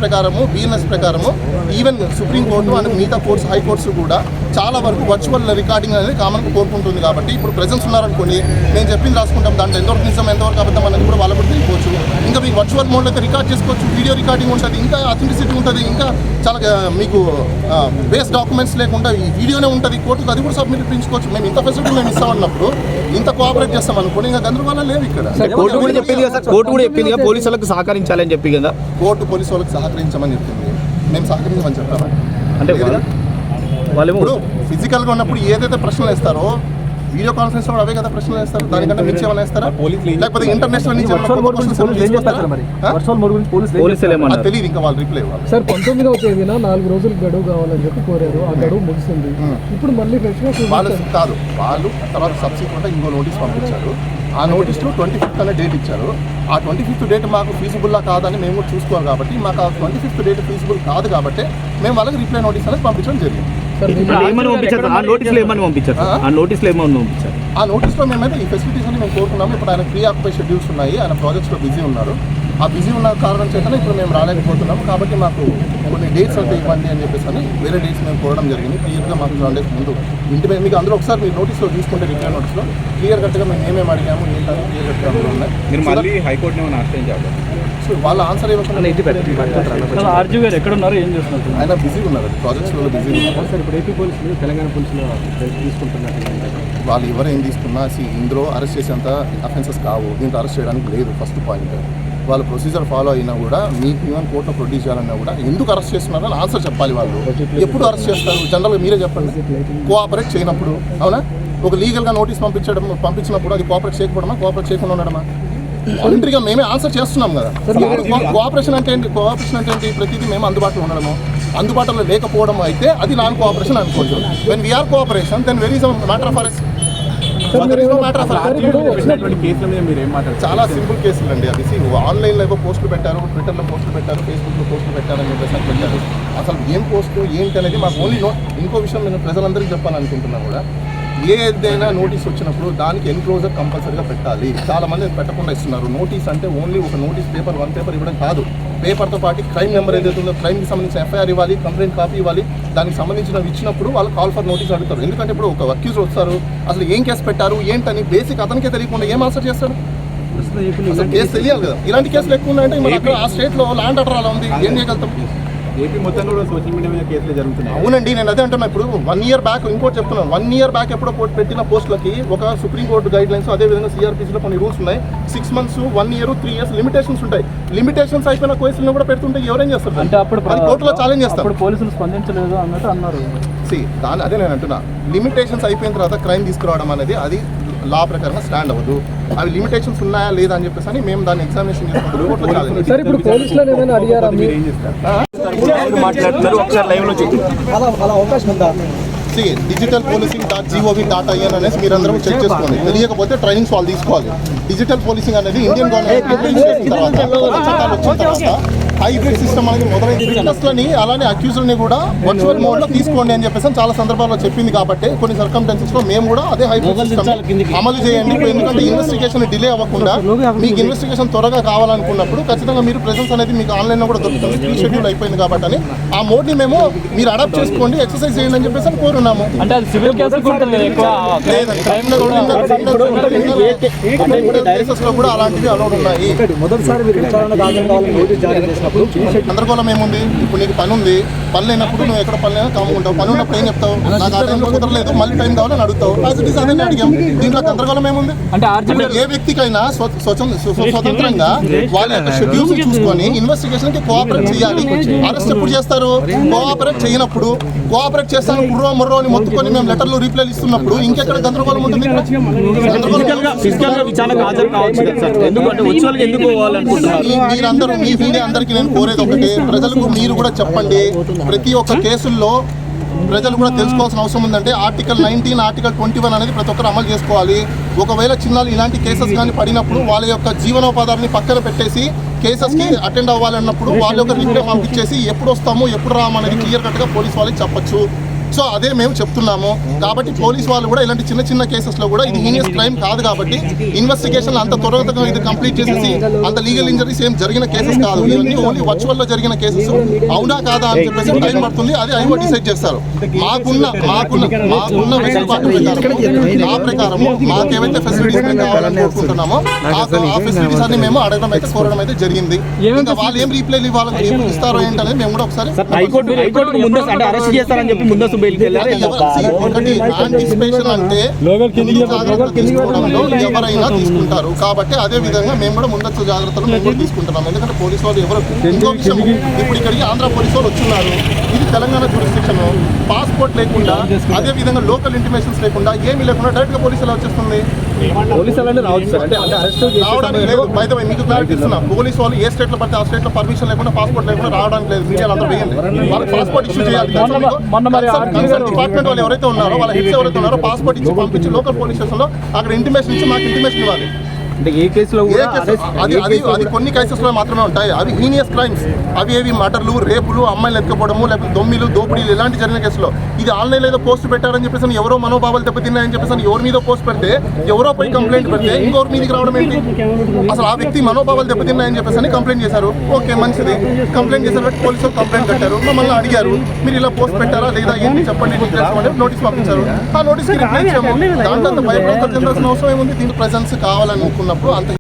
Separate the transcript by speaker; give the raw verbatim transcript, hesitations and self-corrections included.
Speaker 1: ప్రకారము బిఎన్ఎస్ ప్రకారము even supreme court and మిగతా కోర్ట్స్ హైకోర్ట్స్ కూడా చాలా వరకు వర్చువల్ రికార్డింగ్ అనేది కామన్గా కోరుకుంటుంది. కాబట్టి ఇప్పుడు ప్రెజెన్స్ ఉన్నారనుకోండి, నేను చెప్పింది రాసుకుంటాం, దాంట్లో ఎంతవరకు నిజం ఎంతవరకు అబద్ధం అనేది కూడా వాళ్ళ కూడా తెలియవచ్చు. ఇంకా మీకు వర్చువల్ మోడ్లో అయితే రికార్డ్ చేసుకోవచ్చు, వీడియో రికార్డింగ్ ఉంటుంది, ఇంకా అథెంటిసిటీ ఉంటుంది, ఇంకా చాలా మీకు బేస్ డాక్యుమెంట్స్ లేకుండా ఈ వీడియోనే ఉంటుంది, కోర్టుకు అది కూడా సబ్మిట్ చేయించుకోవచ్చు. మేము ఇంత ఫెసిలిటీ మేము ఇస్తామన్నప్పుడు ఇంత కోఆపరేట్ చేస్తాం అనుకోండి, ఇంకా గందరగోళం లేవు ఇక్కడ.
Speaker 2: కోర్టు కూడా చెప్పింది కదా, కోర్టు కూడా చెప్పింది కదా పోలీసులకు సహకరించాలని చెప్పి కదా.
Speaker 1: కోర్టు పోలీసు వాళ్ళకి సహకరించమని చెప్పింది, మేము సహకరించమని చెప్పాము.
Speaker 2: అంటే వాళ్ళు
Speaker 1: ఇప్పుడు ఫిజికల్గా ఉన్నప్పుడు ఏదైతే ప్రశ్నలు వేస్తారో వీడియో కాన్ఫరెన్స్ లో అవే కదా ప్రశ్నలు వేస్తారు, దానికంటే మించి ఏమైనా వేస్తారా? లేకపోతే ఇంటర్నేషనల్ నుంచి తెలియదు, ఇంకా వాళ్ళు రిప్లై ఇవ్వాలి.
Speaker 3: సార్ పంతొమ్మిదవ తేదీన నాలుగు రోజులు గడువు కావాలని చెప్పి కోరారు, ఆ గడువు ముగిసింది. ఇప్పుడు మళ్ళీ
Speaker 1: వాళ్ళు కాదు, వాళ్ళు తర్వాత సబ్సిక్వెంట్ ఇంకో నోటీస్ పంపించారు. ఆ నోటీస్లో ట్వంటీ ఫిఫ్త్ అనే డేట్ ఇచ్చారు. ఆ ట్వంటీ ఫిఫ్త్ డేట్ మాకు ఫీజిబుల్లా కాదని మేము కూడా చూసుకోవాలి. కాబట్టి మాకు ఆ ట్వంటీ ఫిఫ్త్ డేట్ ఫీజిబుల్ కాదు కాబట్టి మేము వాళ్ళకి రిప్లై నోటీస్ అనేది పంపించడం జరిగింది.
Speaker 2: ఆ నోటీస్లో ఏమని పంపించారు? ఆ నోటీస్లో ఏమని పంపించారు?
Speaker 1: ఆ నోటీస్లో మేమైతే ఈ ఫెసిలిటీస్ అని మేము కోరుకున్నాము. ఇప్పుడు ఆయన ప్రీ ఆక్యుపై షెడ్యూల్స్ ఉన్నాయి, ఆయన ప్రాజెక్ట్స్లో బిజీ ఉన్నారు. ఆ బిజీ ఉన్న కారణం చేతనే ఇప్పుడు మేము రాలేకపోతున్నాము. కాబట్టి మాకు కొన్ని డేట్స్ అయితే ఇవ్వండి అని చెప్పేసి అని వేరే డేట్స్ మేము కోరడం జరిగింది. క్లియర్గా మాకు వన్ డేస్ ముందు ఇంటి మీద మీకు అందరూ ఒకసారి మీరు నోటీస్లో తీసుకుంటే రిప్లై నోటీస్లో క్లియర్ కట్గా మేము ఏమేమి అడిగాము ఏంటని క్లియర్ కట్గా అందులో ఉన్నాయి.
Speaker 4: మీరు మళ్ళీ హైకోర్టుని ఆశ్రయించాలి.
Speaker 1: సో వాళ్ళ ఆన్సర్ ఇవ్వకుండా
Speaker 3: ఆర్జీ గారు ఎక్కడ ఉన్నారు, ఏం చేస్తున్నారు?
Speaker 1: ఆయన బిజీ ఉన్నారు, ప్రాజెక్ట్స్లో బిజీ ఉన్నారు.
Speaker 3: సార్ ఇప్పుడు ఏపీ పోలీసులు తెలంగాణ పోలీసులు తీసుకుంటున్నారు.
Speaker 1: వాళ్ళు ఎవరు ఏం తీసుకున్నా సి ఇందులో అరెస్ట్ చేసేంత అఫెన్సెస్ కావు, దీంట్లో అరెస్ట్ చేయడానికి లేదు. ఫస్ట్ పాయింట్ వాళ్ళు ప్రొసీజర్ ఫాలో అయినా కూడా మీకు ఈవెన్ కోర్టులో ప్రొడ్యూస్ చేయాలన్నా కూడా ఎందుకు అరెస్ట్ చేస్తున్నారో అని ఆన్సర్ చెప్పాలి. వాళ్ళు ఎప్పుడు అరెస్ట్ చేస్తారు జనరల్గా మీరే చెప్పండి. కోఆపరేట్ చేయనప్పుడు, అవునా? ఒక లీగల్గా నోటీస్ పంపించడం పంపించినప్పుడు అది కోఆపరేట్ చేయకపోవడమా, కోఆపరేట్ చేయకుండా ఉండడమా? వాలంటరీగా మేమే ఆన్సర్ చేస్తున్నాం కదా. కోఆపరేషన్ అంటే ఏంటి? కోఆపరేషన్ అంటే ఏంటి? ప్రతిదీ మేము అందుబాటులో ఉండడము, అందుబాటులో లేకపోవడం అయితే అది నాన్ కోఆపరేషన్ అనుకోవచ్చు. When we are cooperation then very is matter of arrest. చాలా సింపుల్ కేసులు అండి అవి. ఆన్లైన్లో ఏవో పోస్టులు పెట్టారు, ట్విట్టర్లో పోస్టులు పెట్టారు, ఫేస్బుక్లో పోస్టులు పెట్టారని చెప్పేసి అని పెట్టారు. అసలు ఏం పోస్టు ఏంటి అనేది మాకు ఓన్లీ నో. ఇంకో విషయం నేను ప్రజలందరికీ చెప్పాలనుకుంటున్నాను కూడా, ఏదైనా నోటీస్ వచ్చినప్పుడు దానికి ఎన్క్లోజర్ కంపల్సరీగా పెట్టాలి. చాలా మంది పెట్టకుండా ఇస్తున్నారు. నోటీస్ అంటే ఓన్లీ ఒక నోటీస్ పేపర్, వన్ పేపర్ ఇవ్వడం కాదు. పేపర్తో పాటు క్రైమ్ నెంబర్ ఏదైతే ఉందో క్రైమ్కి సంబంధించిన ఎఫ్ఐఆర్ ఇవ్వాలి, కంప్లైంట్ కాపీ ఇవ్వాలి. దానికి సంబంధించినవి ఇచ్చినప్పుడు వాళ్ళు కాల్ ఫర్ నోటీస్ అడుగుతారు. ఎందుకంటే ఇప్పుడు ఒక అక్యూజ్ వస్తారు, అసలు ఏం కేసు పెట్టారు ఏంటని బేసిక్ అతనికే తెలియకుండా ఏం ఆన్సర్ చేస్తారు? అసలు కేసు తెలియాలి కదా. ఇలాంటి కేసులు ఎక్కువ ఉన్నాయంటే మరి అక్కడ ఆ స్టేట్లో ల్యాండ్ ఆర్డర్ అలా ఉంది, ఏం చేయగలుగుతాం?
Speaker 4: ఏపీ మొత్తం కూడా సోషల్ మీడియా మీద కేసులు జరుగుతున్నాయి.
Speaker 1: అవునండి, నేను అదే అంటున్నా. ఇప్పుడు వన్ ఇయర్ బ్యాక్ ఇంకోటి చెప్తున్నాను, వన్ ఇయర్ బ్యాక్ ఎప్పుడో పెట్టిన పోస్టులకి ఒక సుప్రీంకోర్టు గైడ్ లైన్స్, అదేవిధంగా సిఆర్పిసిలో కొన్ని రూల్స్ ఉన్నాయి. Six months, one year, three years limitations ఉంటాయి. లిమిటేషన్స్ అయిపోయిన కేసులను కూడా పెడుతుంటే ఎవరేం చేస్తారు?
Speaker 3: అంటే అప్పుడు
Speaker 1: కోర్టులో ఛాలెంజ్ చేస్తారు.
Speaker 3: పోలీసులు స్పందించలేదు అన్నట్టు అన్నారు.
Speaker 1: సి దాని అదే నేను అంటున్నా, లిమిటేషన్స్ అయిపోయిన తర్వాత క్రైమ్ తీసుకురావడం అనేది అది లా ప్రకారంగా స్టాండ్ అవ్వదు. అవి లిమిటేషన్స్ ఉన్నాయా లేదా అని చెప్పేసి అని మేము దాన్ని ఎగ్జామినేషన్ చేసుకుంటాం. Digital policing dot G O V dot IN అనేసి మీరు అందరూ చెక్ చేసుకోండి. తెలియకపోతే ట్రైనింగ్స్ వాళ్ళు తీసుకోవాలి. డిజిటల్ పోలీసింగ్ అనేది ఇండియన్ గవర్నమెంట్ చట్టాలు వచ్చిన తర్వాత హైబ్రిడ్ సిస్టమ్ అనేది మొదలైంది. విట్నెస్లని అలానే అక్యూజ్లని కూడా వర్చువల్ మోడ్లో తీసుకోండి అని చెప్పేసి చాలా సందర్భాల్లో చెప్పింది. కాబట్టి కొన్ని సర్కమ్స్టెన్సెస్లో మేము కూడా అదే హైబ్రిడ్ సిస్టమ్ అమలు చేయండి. ఎందుకంటే ఇన్వెస్టిగేషన్ డిలే అవ్వకుండా మీకు ఇన్వెస్టిగేషన్ త్వరగా కావాలనుకున్నప్పుడు ఖచ్చితంగా మీరు ప్రెసెన్స్ అనేది మీకు ఆన్లైన్లో కూడా దొరుకుతుంది. ప్రీ షెడ్యూల్ అయిపోయింది కాబట్టి అని ఆ మోడ్ని మేము మీరు అడాప్ట్ చేసుకోండి, ఎక్సర్సైజ్ చేయండి అని చెప్పేసి కోరున్నాము. కూడా అలాంటివి అలౌడ్ ఉన్నాయి. గందరగోళం ఏముంది? ఇప్పుడు నీకు పని ఉంది, పని లేనప్పుడు నువ్వు ఎక్కడ పని లేనా కాముకుంటావు. పని ఉన్నప్పుడు ఏం చెప్తావు? నాకు ఆ టైంలో కుదరలేదు, మళ్ళీ టైం కావాలని అడుగుతావు. అదే అడిగాం. దీంట్లో గందరగోళం ఏముంది? అంటే ఏ వ్యక్తికైనా స్వతంత్రంగా వాళ్ళ యొక్క షెడ్యూల్స్ చూసుకొని ఇన్వెస్టిగేషన్ కి కోఆపరేట్ చేయాలి. అరెస్ట్ ఎప్పుడు చేస్తారు? కోఆపరేట్ చేయనప్పుడు. కోఆపరేట్ చేస్తాను కుర్రో ముర్రో అని మొత్తుకొని మేము లెటర్లు రీప్లైలు ఇస్తున్నప్పుడు ఇంకెక్కడ గందరగోళం ఉంటుంది? మీరందరూ మీ మీడియా అందరికీ నేను కోరేది ఒకటే, ప్రజలకు మీరు కూడా చెప్పండి. ప్రతి ఒక్క కేసుల్లో ప్రజలు కూడా తెలుసుకోవాల్సిన అవసరం ఉందంటే article nineteen article twenty one అనేది ప్రతి ఒక్కరు అమలు చేసుకోవాలి. ఒకవేళ చిన్నాలు ఇలాంటి కేసెస్ కానీ పడినప్పుడు వాళ్ళ యొక్క జీవనోపాధాన్ని పక్కన పెట్టేసి కేసెస్కి అటెండ్ అవ్వాలన్నప్పుడు వాళ్ళ యొక్క రిప్లై పంపించేసి ఎప్పుడు వస్తామో ఎప్పుడు రామనేది క్లియర్ కట్గా పోలీస్ వాళ్ళకి చెప్పచ్చు. సో అదే మేము చెప్తున్నాము. కాబట్టి పోలీస్ వాళ్ళు కూడా ఇలాంటి చిన్న చిన్న కేసెస్లో కూడా ఇది హీనియస్ క్రైమ్ కాదు కాబట్టి ఇన్వెస్టిగేషన్ అంత త్వరగా ఇది కంప్లీట్ చేసేసి అంత లీగల్ ఇంజరీస్ ఏం జరిగిన కేసెస్ కాదు, ఇవన్నీ ఓన్లీ వర్చువల్లో జరిగిన కేసెస్. అవునా కాదా అని చెప్పేసి టైం పడుతుంది, అది ఐఓ డిసైడ్ చేస్తారు. మాకున్న మాకున్న మాకున్న వెసులుబాటు ప్రకారం ఆ ప్రకారము మాకేవైతే ఫెసిలిటీస్ మేము కావాలని కోరుకుంటున్నామో ఆ ఫెసిలిటీస్ అన్ని మేము అడగడం అయితే కోరడం అయితే జరిగింది. ఇంకా వాళ్ళు ఏం రీప్లై ఇవ్వాలని ఏం ఇస్తారో ఏంటనేది మేము కూడా ఒకసారి
Speaker 2: హైకోర్టు హైకోర్టు ముందస్తు అంటే అరెస్ట్ చేస్తారని చెప్పి ముందస్తు బెయిల్కి వెళ్ళారు.
Speaker 1: ఒకటి యాంటిసిపేషన్ అంటే జాగ్రత్తలు తీసుకోవడంలో ఎవరైనా తీసుకుంటారు కాబట్టి అదే విధంగా మేము కూడా ముందస్తు జాగ్రత్తలు మేము కూడా తీసుకుంటున్నాం. ఎందుకంటే పోలీసు వాళ్ళు ఎవరు ఇంకో విషయం, ఇప్పుడు ఇక్కడికి ఆంధ్ర పోలీసు వాళ్ళు వచ్చున్నారు, ఇది తెలంగాణ జ్యూరిస్డిక్షన్, పాస్పోర్ట్ లేకుండా అదే విధంగా లోకల్ ఇంటిమేషన్స్ లేకుండా ఏమీ లేకుండా డైరెక్ట్ గా పోలీసు ఎలా వచ్చేస్తుంది? రావడానికి లేదు. బై ద వే మీకు క్లారిటీ ఇస్తున్నా, పోలీసు వాళ్ళు ఏ స్టేట్ లో పడితే ఆ స్టేట్ లో పర్మిషన్ లేకుండా పాస్పోర్ట్ లేకుండా రావడానికి లేదు. మీడియాలో అందరూ వేయండి, వాళ్ళకి పాస్పోర్ట్ ఇష్యూ చేయాలి. కన్సర్న్ డిపార్ట్మెంట్ వాళ్ళు ఎవరైతే ఉన్నారో వాళ్ళ హెడ్స్ ఎవరైతే ఉన్నారో పాస్పోర్ట్ ఇచ్చి పంపించి లోకల్ పోలీస్ స్టేషన్ లో అక్కడ ఇంటిమేషన్ ఇచ్చి మాకు ఇంటిమేషన్ ఇవ్వాలి.
Speaker 2: అంటే ఏ కేసులో
Speaker 1: ఏ కేసు అది అది అది కొన్ని కేసెస్లో మాత్రమే ఉంటాయి. అవి హీనియస్ క్రైమ్స్, అవి ఏవి మర్డర్లు, రేపులు, అమ్మాయిలు ఎత్తుకోవడము, లేకపోతే దొమ్మిలు, దోపిడీలు ఇలాంటి జరిగిన కేసులో ఇది ఆన్లైన్ ఏదో పోస్ట్ పెట్టారని చెప్పేసి ఎవరో మనోభావాలు దెబ్బతిన్నాయని చెప్పేసి ఎవరి మీద పోస్ట్ పెడితే ఎవరో పోయి కంప్లైంట్ పెడితే ఇంకోరి మీదకి రావడం ఏంటి? అసలు ఆ వ్యక్తి మనోభావాలు దెబ్బతిన్నాయని చెప్పేసి కంప్లైంట్ చేశారు. ఓకే మంచిది, కంప్లైంట్ చేశారు, పోలీసులు కంప్లైంట్ కట్టారు, మమ్మల్ని అడిగారు మీరు ఇలా పోస్ట్ పెట్టారా లేదా ఏంటి చెప్పండి డీటెయిల్స్ అంటే నోటీస్ పంపించారు. ఆ నోటీస్కి రిప్లై ఇచ్చాము. దాంట్లో అంత భయపడాల్సిన అవసరం ఏముంది? దీని ప్రెజెన్స్ కావాలనుకున్నప్పుడు అంత